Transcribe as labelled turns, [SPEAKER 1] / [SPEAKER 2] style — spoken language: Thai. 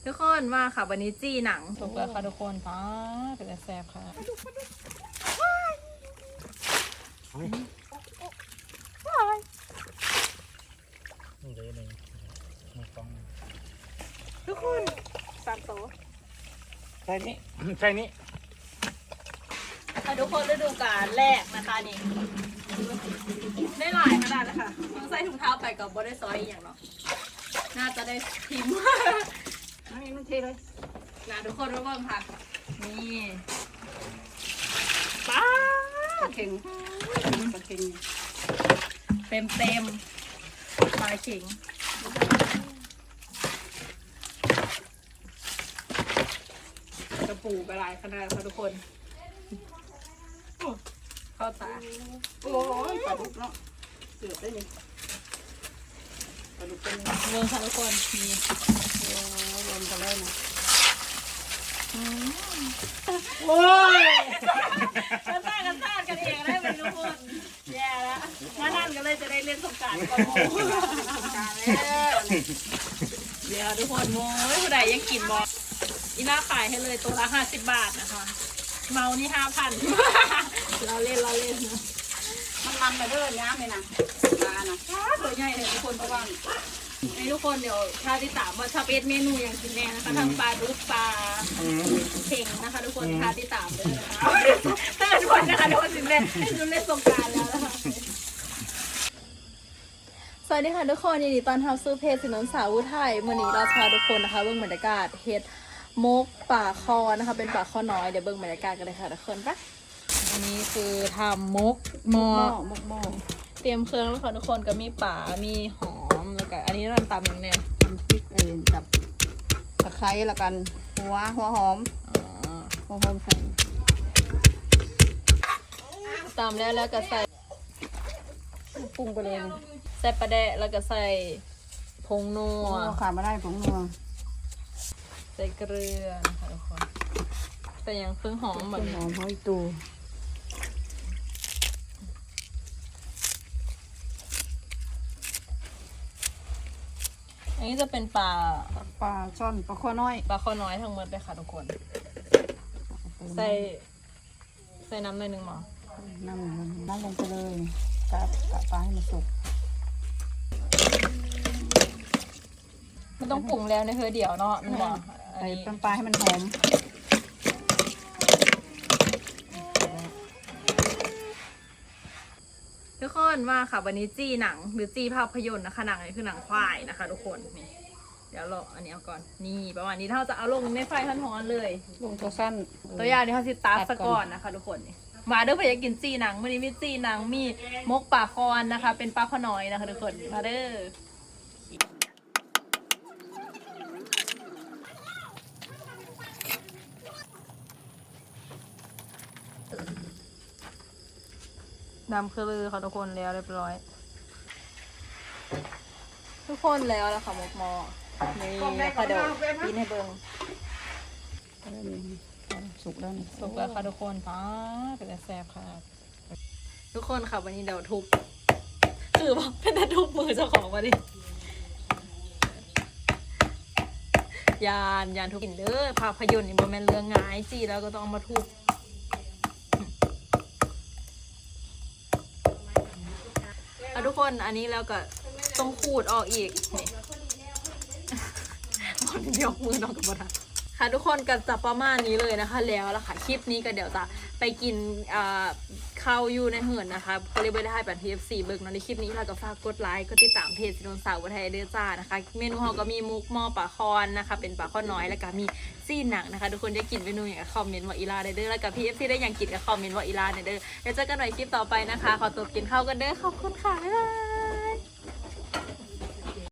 [SPEAKER 1] ทุกคนมาค่ะวันนี้จี้หนังถูกแล้วค่ะทุกคนป้าเป็นแซ่บค่ะทุกคน3 ตัว
[SPEAKER 2] ใช่นี้ใช่นี้
[SPEAKER 1] ทุกคนฤดูกาลแรกนะคะนี่ได้หลายขนาดเลยค่ะต้องใส่ถุงเท้าไปกับบอดี้ซอยอย่างเนาะน่าจะได้พิมพ์
[SPEAKER 2] นี่มันเทเลย
[SPEAKER 1] นะทุกคนมาเบิ่งค่ะนี่ป้า
[SPEAKER 2] เข่ง
[SPEAKER 1] เต็มปลาเข่งกระปูกระไรขนาดค่ะทุกคนเข้าตา
[SPEAKER 2] โอ้ยปลาดุกเนาะเสือได้เลยปลาดุกเป็น
[SPEAKER 1] เมืองค่ะทุกคนมี
[SPEAKER 2] ลมกันเลยนะ
[SPEAKER 1] โอ้ยกันซ่ากันเองได้เป็นทุกคนแย่แล้วมาท่านกันเลยจะได้เล่นสงกรานต์ก่อนสงกรานต์แล้วเดี๋ยวทุกคนโว้ยผู้ใดยังกินบออีน่าขายให้เลยตัวละ50 บาทนะคะเมานี่5,000เราเล่น
[SPEAKER 2] มันไปเรื่อยน้ำเลยนะปลานะ
[SPEAKER 1] ตัวใหญ่เลยทุกคนเพราะว่าไอ้ทุกคนเดี๋ยวถ้าที่3ว่าชอบเอสเมนูอย่างกินแน่นะคะทั้งปลาดุกปลาเข่งนะคะทุกคนถ้าที่3เลยนะคะถ้าทุกคนนะคะทุกคนถึงเล่นสงกรานต์แล้วนะคะสวัสดีค่ะทุกคนยินดีต้อนรับสู่เพจถนนสาวอุทัยวันนี้เราพาทุกคนนะคะเบื้องบรรยากาศเฮ็ดมกป่าคอนะคะเป็นป่าคอน้อยเดี๋ยวเบื้องบรรยากาศกันเลยค่ะทุกคนปะอันนี้คือทำมกหม้อเตรียมเครื่องแล้วค่ะทุกคนก็มีป่ามีหอมแล้วก็อันนี้เราตำอย่างเนี้ย
[SPEAKER 2] ทำพริกกับตะไคร้ละกันหัวหอมใส่
[SPEAKER 1] ตำแล้วก็ใส่
[SPEAKER 2] ปรุงไปเลย
[SPEAKER 1] ใส่ปลาแดะแล้วก็ใส่ผงนัว
[SPEAKER 2] ขาดไม่ได้ผงนัว
[SPEAKER 1] ใส่เกลือนะคะทุกคนแต่ยังเพิ่งหอมแบบ
[SPEAKER 2] หอมหอยตู
[SPEAKER 1] อันนี้จะเป็นปลา
[SPEAKER 2] ช่อนปลาข้อน้อย
[SPEAKER 1] ทั้งหมดเลยค่ะทุกคนใส่น้ำหน่อยนึงหมอ
[SPEAKER 2] น้ำลงไปเลยกะปลาให้มันสุก
[SPEAKER 1] มันต้องปรุงแล้วในเธอเดี๋ยวเนาะมันบอก
[SPEAKER 2] ใส่ปลาให้มันหอม
[SPEAKER 1] ทุกคนมาค่ะวันนี้จี้หนังหรือจี้ภาพยนตร์นะคะหนังนี้คือหนังควายนะคะทุกคนนี่เดี๋ยวเราอันนี้เอาก่อนนี่ประมาณนี้ถ้าจะเอาลงในไฟร้อนๆเลย
[SPEAKER 2] ลงตัวสั้น
[SPEAKER 1] ตัวอย่างนี้เขาสิตาสก่อนนะคะทุกคนนี่มาเด้อเพื่อจะกินจี้หนังวันนี้มีจี้หนังมีมกป่าคอนนะคะเป็นปลาข้อน้อยนะคะทุกคนมาเด้อดำคือลือค่ะทุกคนแล้วเรียบร้อยทุกคนแล้วแล้วค่ะมกมอนี่ค่ะเดี๋ยวกินให้เบิ้ง
[SPEAKER 2] สุกแล้ว
[SPEAKER 1] ค่ะทุกคนป้าเป็นแซ่บค่ะทุกคนค่ะวันนี้เดี๋ยวทุบคือว่าเป็นแต่ทุบมือเจ้าของวันนี้ยานทุบกินเด้อภาพยนตร์นี่บ่แม่นเรื่องง่ายจีแล้วก็ต้องมาทุบทุกคนอันนี้แล้วก็ต้องขูดออกอีกนี่มันยกมือน้องกับบทันค่ะทุกคนก็จะประมาณนี้เลยนะคะแล้วล่ะค่ะคลิปนี้ก็เดี๋ยวจะไปกินข้าวอยู่ในเหือนนะคะก็เลยไม่ได้ให้แบบ TFC เบิกเนาะในคลิปนี้เราก็ฝากกดไลค์กดติดตามเพจถนนสาวอุทัยเด้อจ้านะคะเมนูเราก็มีมุกหม้อปลาคอนนะคะเป็นปลาข้อน้อยแล้วก็มีซี่หนังนะคะทุกคนจะกินเมนูอย่างคอมเมนต์ว่าอีลาเด้อแล้วก็ TFC ได้อย่างกินกับคอมเมนต์ว่าอีลาเด้อแล้วเจอกันใหม่คลิปต่อไปนะคะขอตัวกินข้าวกันเด้อขอบคุณค่ะบ๊ายบาย